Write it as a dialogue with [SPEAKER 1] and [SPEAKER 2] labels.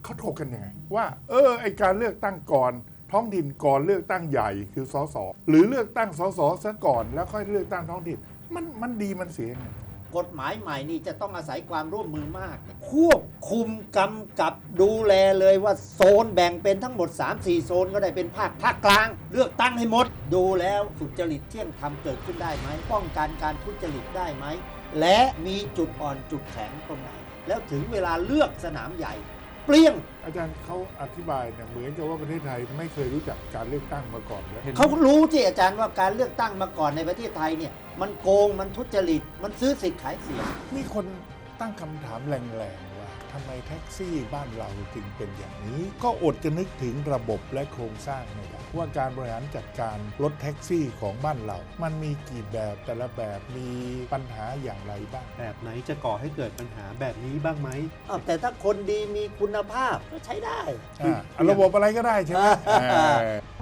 [SPEAKER 1] เขาถกกันยังไงว่าไอการเลือกตั้งก่อนท้องถิ่นก่อนเลือกตั้งใหญ่คือสสหรือเลือกตั้งสสซะก่อนแล้วค่อยเลือกตั้งท้องถิ่นมันดีมันเสียยังไง
[SPEAKER 2] กฎหมายใหม่นี่จะต้องอาศัยความร่วมมือมากควบคุมกำกับดูแลเลยว่าโซนแบ่งเป็นทั้งหมด 3-4 โซนก็ได้เป็นภาคกลางเลือกตั้งให้หมดดูแล้วสุจริตเที่ยงธรรมเกิดขึ้นได้ไหมป้องกันการทุจริตได้ไหมและมีจุดอ่อนจุดแข็งตรงไหนแล้วถึงเวลาเลือกสนามใหญ่เปรี้ยง
[SPEAKER 1] อาจารย์เขาอธิบายเนี่ยเหมือนกับว่าประเทศไทยไม่เคยรู้จักการเลือกตั้งมาก่อนเลย
[SPEAKER 2] เขารู้ที่อาจารย์ว่าการเลือกตั้งมาก่อนในประเทศไทยเนี่ยมันโกงมันทุจริตมันซื้อสิทธิ์ขายเสียง
[SPEAKER 1] มีคนตั้งคำถามแรงๆว่าทำไมแท็กซี่บ้านเราจึงเป็นอย่างนี้ก็อดจะนึกถึงระบบและโครงสร้างไม่ได้ว่าการบริหารจัดการรถแท็กซี่ของบ้านเรามันมีกี่แบบแต่ละแบบมีปัญหาอย่างไรบ้าง
[SPEAKER 3] แบบไหนจะก่อให้เกิดปัญหาแบบนี้บ้างไหม
[SPEAKER 2] แต่ถ้าคนดีมีคุณภาพก็ใช้ได้
[SPEAKER 1] ระบบอะไรก็ได้ใช่ไหม